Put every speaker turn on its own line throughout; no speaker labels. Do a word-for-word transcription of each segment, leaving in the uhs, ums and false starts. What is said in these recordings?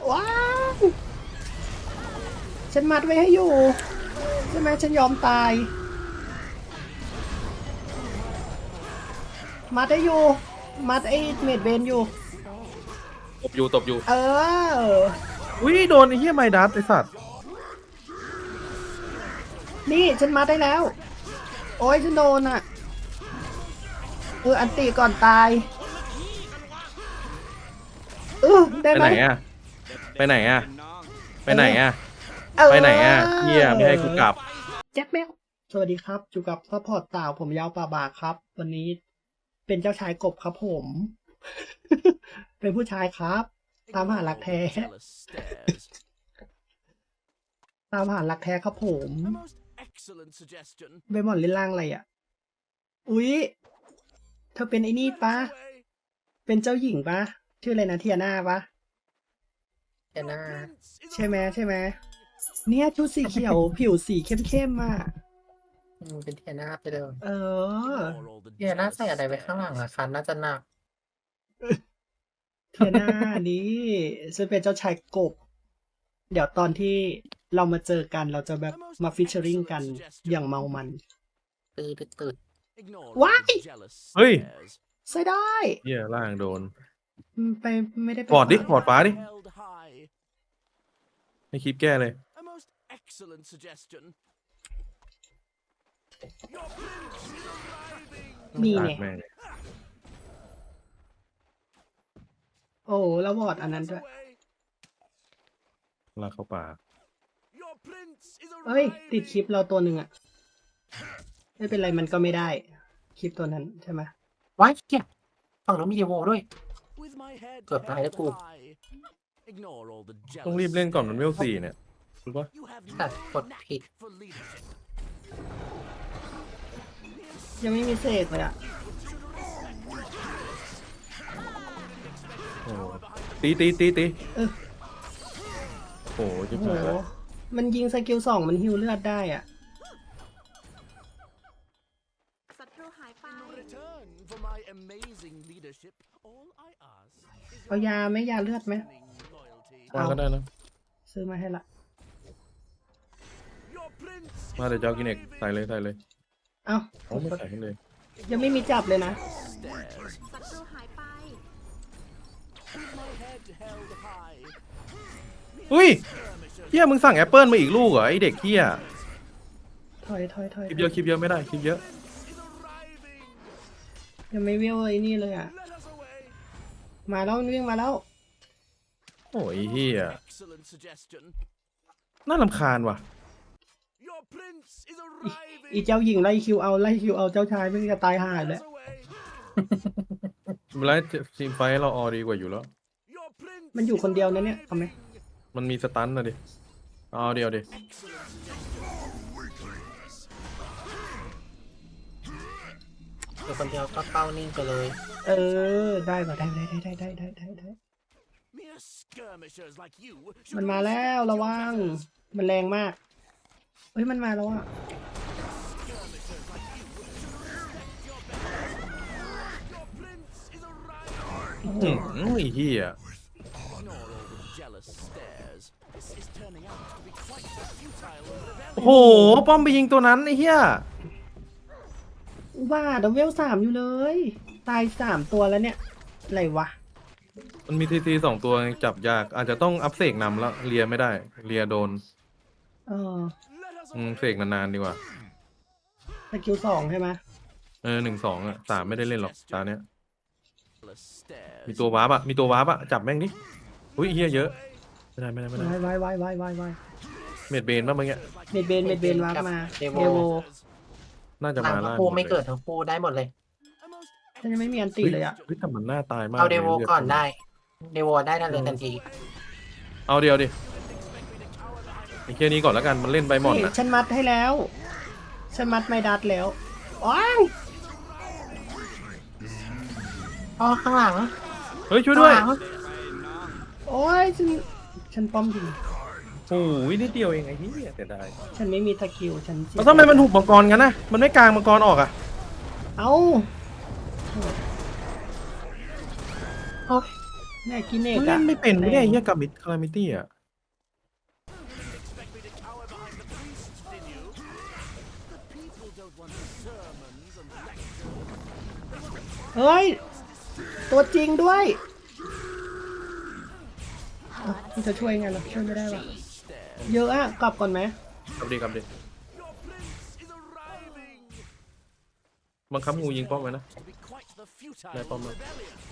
ว้าวฉันมัดไว้ให้อยู่ใช่ไหมฉันยอมตายมัดได้อยู่มัดไอ้เมดเบนอยู่
ตบอยู่ตบอยู่
เออ
อุ้ยโดนไอ้เหี้ยไมดัสไอ้สัตว์
นี่ฉันมัดได้แล้วโอ้ยฉันโดนอ่ะเอออันตีก่อนตายเออได้
ไป
ไหม
ไหนอะไปไหนอะไปไหนอะไปไหนอะเหี้ยไม่ให้กูกลับ
แจ็คแมวสวัสดีครับอยู่กับซัพพอร์ตต่าวผมยาวป่าบากครับวันนี้เป็นเจ้าชายกบครับผม เป็นผู้ชายครับ ตามหารักแท้ ตามหารักแท้ครับผมเบมอนเล่นล่างอะไรอ่ะอุ๊ยเธอเป็นไอ้นี่ปะเป็นเจ้าหญิงปะชื่ออะไรนะเทียนาปะ
เทียนา
ใช่ไหมใช่ไหมเนี่ยชุดสีเขียว ผิวสีเข้มๆอ่ะ
อืมเป็นเทียนาไปเลย
เออ
เทียนาใส่อะไรไว้ข้างหลังอะคะน่าจะหนัก
เทียนานี่ฉันเป็นเจ้าชายกบ เดี๋ยวตอนที่เรามาเจอกันเราจะแบบมาฟิชเชอริงกันอย่างเมามัน
ตืดตืด
ว้าย
เฮ้ย
ใส่ได้
เหี้ยล่างโดน
อืมไปไม่ได้ไป
ปอดดิ
ขวา
ปอดฟ้าดิให้คลิปแก้เลย
มี
ตา
เนี่
ก
ย
แม่ง
โอ้แล้ววอร์ดอันนั้นด้วย
ลากเข้าป่า
เอ้ย ติดคลิปเราตัวหนึ่งอะไม่เป็นไรมันก็ไม่ได้ คลิปตัวนั้นใช่ไหม
ว้ายเกียฝั่งนู้นมีเดโวด้วย เกือบตายแล้วกู
ต้องรีบเล่นก่อนมันเวลสี่เนี่ยรู้ปะ
แต่กดผิด
ยังไม่มีเสกเลยอะ
โอ้ตีตีตีตี
เออ
โอ้ย
โอ้
จิ๊บ
โห
หายแล้ว
มันยิงสกิลสองมันฮิวเลือดได้อ่ะ
ศัตรูหายไป
เอายาไหมยาเลือดไหม
มาก็ได้นะ
ซื้อมาให้ละ
มาเดี๋ยวเจ้ากินเอกใส่เลยใส่เลย
เอ้า
เอาไม่ใส่ให้เลย
ยังไม่มีจับเลยนะ
ศัตรูหายไป
อุ้ยเฮียมึงสั่งแอปเปิลมาอีกลูกเหรอไอเด็กเฮีย
ถอยถอยถอย
คลิปเยอะคลิปเยอะไม่ได้คลิปเยอะ
ยังไม่เวลไอ้นี่เลยอ่ะ มาแล้ววิ่งมาแล้ว
โอ้ยเฮียน่ารำคาญว่ะ
อีเจ้าหญิงไล่คิวเอาไล่คิวเอาเจ้าชายไม่จะตายห่าเลย
เวลาทีมไฟท์เราออดีกว่าอยู่แล้ว
มันอยู่คนเดียวนะเนี่ยทำไหม
มันมีสตันนะดิเอาเดียวดิ
อยู่คนเดียวก็เป้านิ่งไปเลย
เออได้ป่ะได้ได้ได้ได้ได้ได้ได้มันมาแล้วระวังมันแรงมากเฮ้ยมันมาแล้วอ่ะ
อืมไอ้เฮียโอ้โหป้อมไปยิงตัวนั้นไอ้เฮีย
อุบาทเวลสามอยู่เลย ตายสามตัวแล้วเนี่ยอะไรวะ
มันมีทีซีสองตัวจับยากอาจจะต้องอัพเสกนำแล้วเลียไม่ได้เลียโดน
เออ
อืมเสกนานๆดีกว่า
สกิลสองใช่ไหม
เออหนึ่งสองอ่ะสามไม่ได้เล่นหรอกตาเนี้ยมีตัววาร์ปอะมีตัววาร์ปอะจับแม่งดิอุ้ยเฮียเยอะไม่ได้ไม่ได้ไม่ได้
วายวายวายวายวาย
เมดเบนป่ะเมื่อกี้
เมดเบนเมดเบนวาร์ปมาเดโว
น่าจะ
หลั
มาง ล่า
คู่ไม่เกิดทั้งคู่ได้หมดเลย
ฉันยังไม่มีอันตีเลยอ่ะ
เฮ้ยแต่มันน่าตายมาก
เอาเดโว
ลย
ก่อนได้ เดโวได้ทันเลยทันที
เอาเดียวดิไอ้แค่นี้ก่อนแล้วกันมันเล่นใบหมอน
นี่
นะ
ฉันมัดให้แล้ว ฉันมัดไม่ดัดแล้วว้าว
อ๋อข้างหลัง
เฮ้ยช่วยด้วย
ข้างหลัง
โอ้ยฉันฉันป้อมยิง
โอ้ยนิดเดียวเองไอ้เหี้ยแต่ได้
ฉันไม่มีสกิลฉันเสีย
แล้วทำไมมันหุบมังกรกันนะมันไม่กลางมังกรออกอ่ะ
เอ้า
โอ้ย
เนี่ยกินเนก
มัน
อะ
เล่นไม่เป็นไม่ได้ไอ้เหี้ยกับมิดคารามิตี้อ่ะ
เฮ้ย ตัวจริงด้วยอ่ะมันจะช่วยไงล่ะช่วยไม่ได้หรอเยอะอะกลับก่อนไหม
กลับดิกลับดิบังคับงูยิงป้อมไว้นะได้ป้อมแล้ว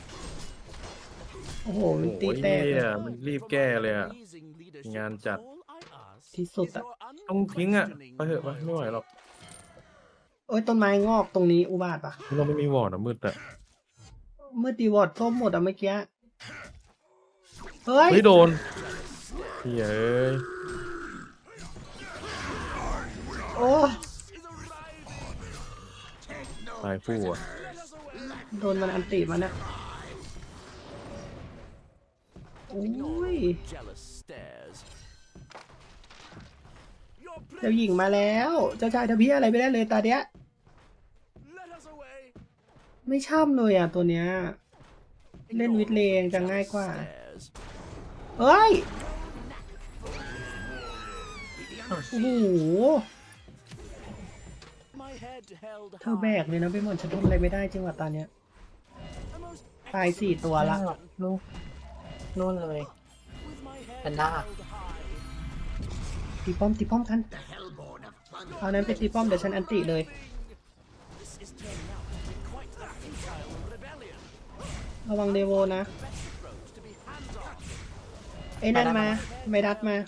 โอ้โห
โอ้
มัน
โห
ตีแตก
เหี้
เลย
ยมันรีบแก้เลยอ่ะงานจัด
ที่สุดอะ
ต้องทิ้งอ่ะไปเถอะไปไม่ไหวหรอก
โอ้ยต้นไม้งอกตรงนี้อุบาทปะ
เราไม่มีวอร์ดอ่ะมืดอ่ะ
เมื่อตีวอดส้มหมดอะเมื่อกี้เฮ้ย
เฮ้ยโดนเฮ้ยเอ้ย
โอ้
ตายคู่อ่ะ
โดนมันอันติมันอะโอ้ยเจ้าหญิงมาแล้ว เจ้าชายทำเพี้ยอะไรไม่ได้เลยตาเนี้ยไม่ช่ำเลยอ่ะตัวเนี้ย เล่นวิดเลงจะง่ายกว่า เฮ้ย โอ้โห เธอแบกเลยนะไปหมดฉันทำอะไรไม่ได้จริงว่ะตอนเนี้ย ตายสี่ตัวละ
นู่นนู่นเลยแพนด้า
ตีป้อมตีป้อมทันเอานั้นไปตีป้อมเดี๋ยวฉันอันติเลย ระวังเดโวนะไอ้นั่นมาไม่ดัดมา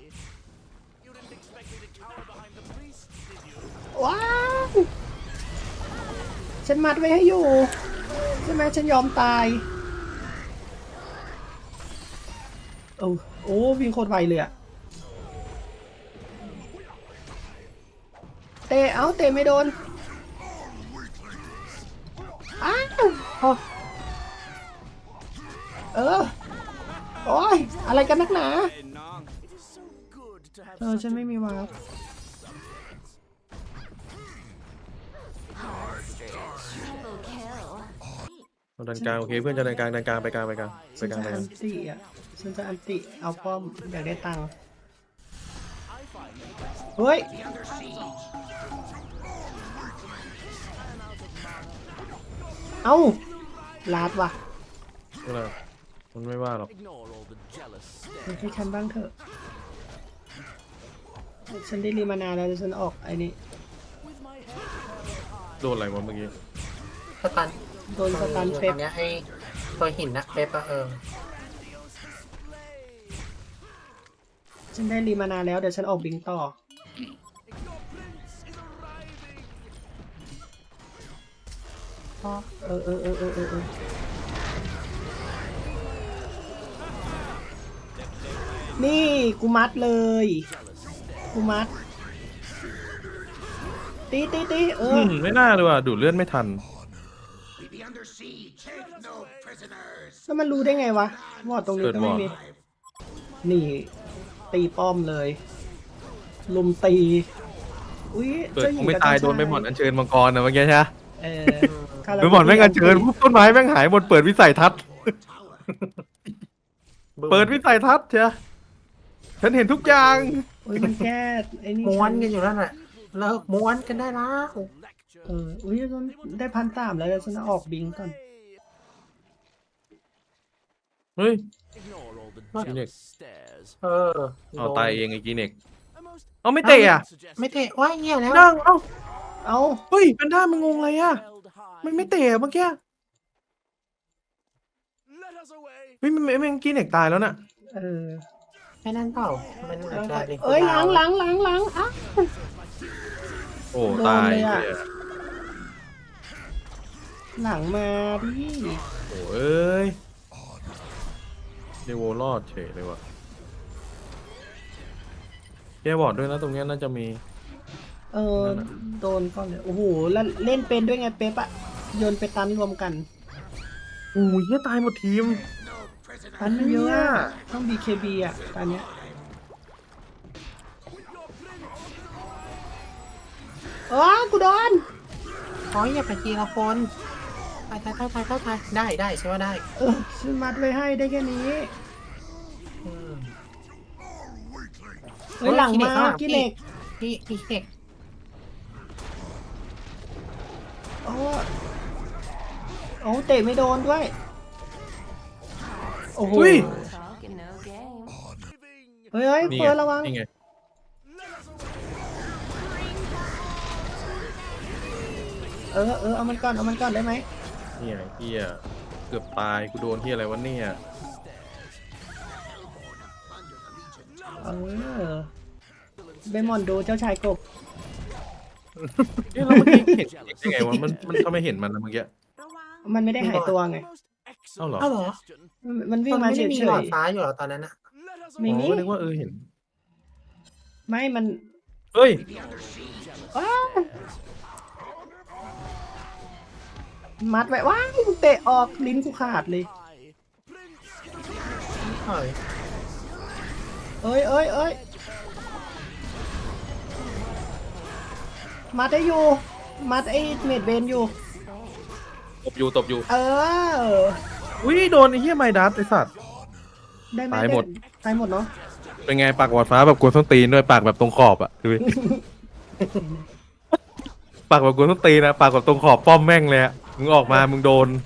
ว้าวฉันมัดไว้ให้อยู่ใช่ไหมฉันยอมตายโอ้โอ้วิ่งโคตรไวเลยอะเตะเอาเตะไม่โดนอ้าวเออโอ้ยอะไรกันนักหนาเออฉันไม่มีวาร์ป
เราดันกลางโอเคเพื่อนจะดันกลางดันกลางไปกลางไปกลางไป
ฉัน
กลาง
จะ
ไปก
อั
ลาง
นติอ่ะฉันจะอันติเอาป้อมอยากได้ตังค์เฮ้ยเอ้าลาดว่ะ
ก็เลยมันไม่ว่าหรอก
ให้ฉันบ้างเถอะฉันได้รีมานานแล้วฉันออกไอ้นี่
โดนอะไรวะเมื่อกี้
สตัน
โดนสตัน
อยู่
เป๊ป
ตรงเนี้ยไอ้ตัวหินนะเป๊ปอะเออ
ฉันได้รีมานานแล้วเดี๋ยวฉันออกบิงต่อเออเออเออเออเออเออนี่กูมัดเลยกูมัดตีตีตีเอ
อื
อ
มไม่น่าเลยว่ะดูดเลือดไม่ทัน
แล้วมันรู้ได้ไงวะวอดตรงนี้ก็ไม่มีนี่ตีป้อมเลยลุมตีอุ้ย
เกิด
เจ้าห
ค
ญิ
ง
ง
ไม่
กับ
ตาย
เจ้
โดนไปหมอนอัญเชิญมังกรนะเมื่อกี้ใช่ไหม
เออ
ไปหมอนแม่งอัญเชิญปุ๊บต้นไม้แม่งหายหมดเปิดวิสัยทัศน์ เปิดวิสัยทัศน์เชียฉันเห็นทุกอย่าง
อุ้ยมันแก้ไอ้นี่
ม้วนกันอยู่นั่นแหละเลิกม้วนกันได้แล้ว
เอออุ้ยฉันได้พันสามแล้วเดี๋ยวฉันเอาออกบิงก่อน
เฮ้ย
Ignore all the
Phoenix.
jealous stares.
เออ
เอาตายเองไอ้กีเน็ก
A most
เอาไม่เตะอ่ะ
suggestion
ไม่เตะว่าเงี้ยแล้ว
นั่งเอ้า
เอา
เฮ้ยเป็นด้ามันงงอะไรอ่ะ
held high.
มันไม่เตะอะเมื่อกี้
Let us away.
เฮ้ยมันมันมันกีเน็กตายแล้วน่ะ
เออ
ไม่นั่นเปล่ามันอาจจะรี
เอ้ยหลังหลังหลังหลังอ่ะ
โอ้
โดน
ตาย
เลยอะ
เหี้ย
หลังมาดิ
โอ้เอ้ยเดโวรอดเฉยเลยว่ะแกบอร์ดด้วยนะตรงเนี้ยน่าจะมี
เออโดนก่อนเลยโอ้โหแล้วเล่นเป็นด้วยไงเป๊ปอะโยนไปตันรวมกัน
โอ้ยเหี้ยตายหมดทีม
ตันเยอะอะต้อง บี เค บี อะตอนเนี้ยอ๋อกูโดน
โอ้ยอย่าไปทีละคนตายตายตายตายตายตายได้ได้ใช่ว่าได้
เออฉันมัดไว้ให้ได้แค่นี้
อืม
เฮ้ยหลังมากิเล็ก
พี่พี่เด็ก
โอ้โอ้เตะไม่โดนด้วย โอ้โห
อุ้ย
Talking no game.
เฮ้ยเฮ้ย
นี่
เฟิ
ไง
ร์นระวัง
นี่ไง
เออเออเอามันก่อนเอามันก่อนได้ไหม
นี่ไงเฮียเกือบตายกูโดนที่อะไรวะเนี่ย
เออเบมอนดูเจ้าชายกบ
เอ๊ะแล้วเมื่อกี้เห็นยังไงวะมันมันทำไมเห็นมันนะเมื่อกี้
มันไม่ได้หายตัวไง
เอ้าเหรอ
เอ้าเหรอ
มันมันวิ่
มั
ง
น
มา
ไม่
เฉ
ได้มี
ย
หลอดฟ้าอยู่เหรอตอนนั้นอะ
ๆไม่
อ๋
มี
อนึกว่าเออเห็น
ไม่มัน
เฮ้ย
ว้าวมัดไว้ว้าวเตะออกลิ้นกูขาดเลย
เฮ้ย
เอ้ยเอ้ยเอ้ยมัดได้อยู่ มัดไอ้เมดเบนอยู่
ตบอยู่ตบอยู่
เออ
อุ้ยโดนไอ้เหี้ยไมดัสไอ้สัตว์
ได้ไหม
ตายหมด
ตายหมดเนาะ
เป็นไงปากหวาดฟ้าแบบกวนส้นตีนด้วยปากแบบตรงขอบอ่ะดูดิ ปากแบบกวนส้นตีนนะปากแบบตรงขอบป้อมแม่งเลยอะมึงออกมามึงโดน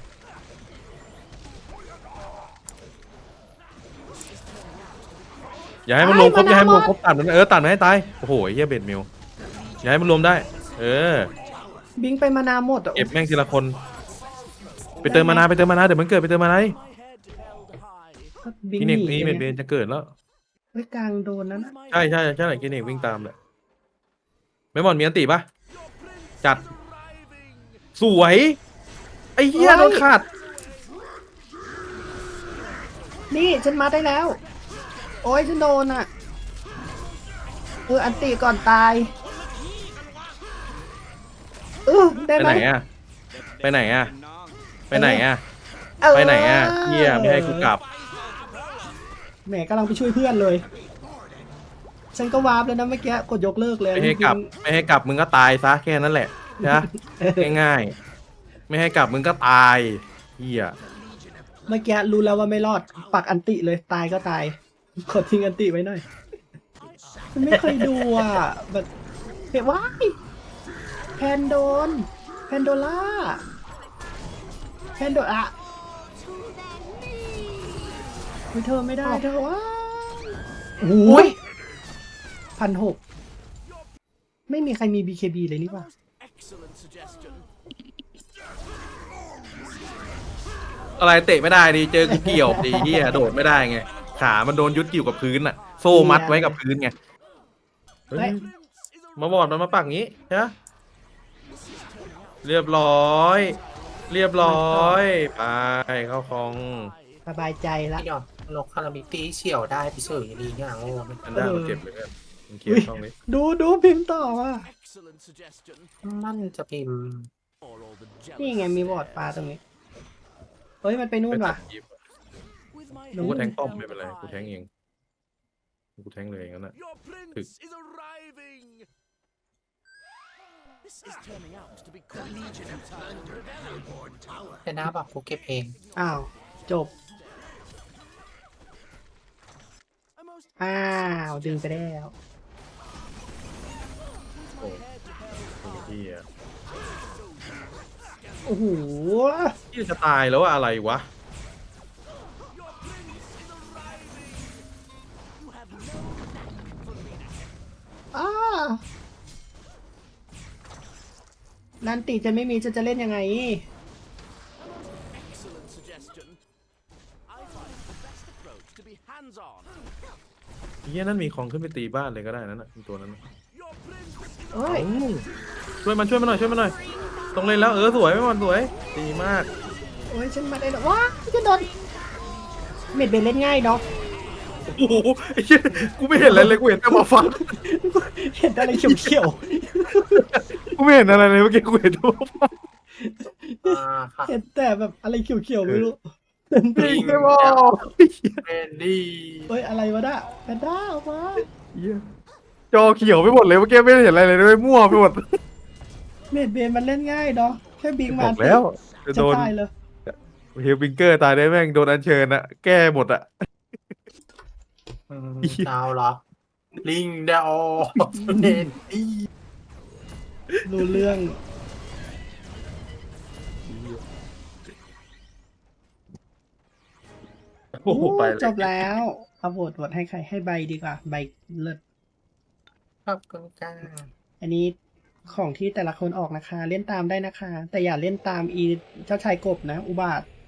อย่าให้มันรวมครบอย่าให้มันรวมครบตัดมันเออตัดมันให้ตายโอ้โหไอ้เหี้ยเบ็ดมิวอย่าให้มันรวมได้ เออ
บิงไปมานาหมดอะ
เก็บแม่งทีละคน ไปเติมมานาไปเติมมานาเดี๋ยวมันเกิดไปเติมมานา
บิง
กิน
ห
เอก
นี
นี่เบ็ดเบนจะเกิดแล้ว
เฮ้ยกลางโดนนั้น
ใช่ใช่ใช่กินเอกวิ่งตามแหละไม่หมอนมีอันติปะจัดสวยไอ้เหี้ยโดนขาด
นี่ฉันมัดได้แล้ว โอ้ยฉันโดนอ่ะเอออันตีก่อนตายเออได้
ไป
ไหม
ไหนอะไปไหนอะไปไหนอะ
เออ
ไปไหนอะเหี้ยไม่ให้กูกลับ
แหมกำลังไปช่วยเพื่อนเลย ฉันก็วาร์ปแล้วนะเมื่อกี้กดยกเลิกเลย
ไม่ให้กลับ ไม่ให้กลับมึงก็ตายซะแค่นั้นแหละนะง่ายๆไม่ให้กลับมึงก็ตายเหี้ย
เมื่อกี้รู้แล้วว่าไม่รอดปักอันติเลยตายก็ตายกดทิ้งอันติไว้หน่อยมันไม่เคยดูอ่ะแบบเฮ้ยว้ายแพนโดนแพนโดล่าแพนโดอะไม่เธอไม่ได้เธอว้าโอ้ยพันหกไม่มีใครมี บี เค บี เลยนี่ป่ะ
Excellent suggestion.
อะไรเตะไม่ได้ดิเจอกูเกี่ยวดีเหี้ยโดดไม่ได้ไงขามันโดนยึดอยู่กับพื้นอะโซ่มัดไว้กับพื้นไงเฮ้ยมาบอดมันมาปักงี้ใช่ไหมเรียบร้อย เรียบร้อยไปเข้าคลอง
สบายใจละ
พี่ยอดนกคาราบิตี้เฉี่ยวได้ไปเฉยดีเนี่ยโง่มัน
อันด้ามันเก็บเลยกันมันเคลียร์ช่องนี้
ดูดูพิมพ์ต่อว่ะ
Excellent suggestion.
มันจะพิมพ์
Or all the
นี่
jealous
ไงมีบอร์ดปลาตรงนี้ เฮ้ยมันไปนู่นว่ะ
with my
กูก็
head
แทงป้อม
held
ไม่เป็นไรกูแทง
high.
เองกูแทงเลยอย่างนั้นน่ะ
Your prince is arriving. This is turning out to be quite a time.
แต่หน้าบอกกูเก็บเอง
อ้าว จบ
A most
อ้าว ดึงไปแล้ว
โอ้ยเฮีย
โอ้โห
เฮียจะตายแล้วอะอะไรวะ
อ้านันติจะไม่มีจะจะเล่นยังไง
excellent suggestion. I find the best approach to be hands-on.
เฮียนั่นมีของขึ้นไปตีบ้านเลยก็ได้นั่นน่ะตัวนั้นน่ะ
Your prince is
เอ้ย
เอ้าช่วยมันช่วยมันหน่อยช่วยมันหน่อยต้องเล่นแล้วเออสวยไม่มันสวยดีมาก
โอ้ย ฉันมาได้แล้วว้าจะโดน เม็ดเบนเล่นง่ายเนาะ
โอ้โหไอ้เหี้ยกูไม่เห็นอะไรเลยกูเห็นแต่หมอฟัน
เห็นอะไรเขียว
กูไม่เห็นอะไรเลยเมื่อกี้กูเห็นแต่หมอฟัน
อ่าค่ะ
ๆ เห็นแต่แบบอะไรเขียวๆไม่รู้
ปิงไม่บอก
เป็นดี
เฮ้ย อะไรวะน่ะแพนด้าออกมา
เหี้ยจอเขียวไปหมดเลยเมื่อกี้ไม่เห็นอะไรเลยด้วยมั่วไปหมด
เม็ดเบนมันเล่นง่ายเนาะแค่บิง
บ
มา
อกแล้วจะ
จะ
โดน
ตายเลย
เฮลบิงเกอร์ตายได้แม่งโดนอัญเชิญอะแก้หมดอะ
อืมดาวเหรอ ลิงดาวเนนตี้
รู้เรื่อง
โอ้โหไปเลย
จบแล้วเอาโหวตโหวตให้ใครให้ใบดีกว่า ใบเลิศ
ขอบคุณจ้า
อันนี้ของที่แต่ละคนออกนะคะ เล่นตามได้นะคะ แต่อย่าเล่นตามอีเจ้าชายกบนะ อุบาท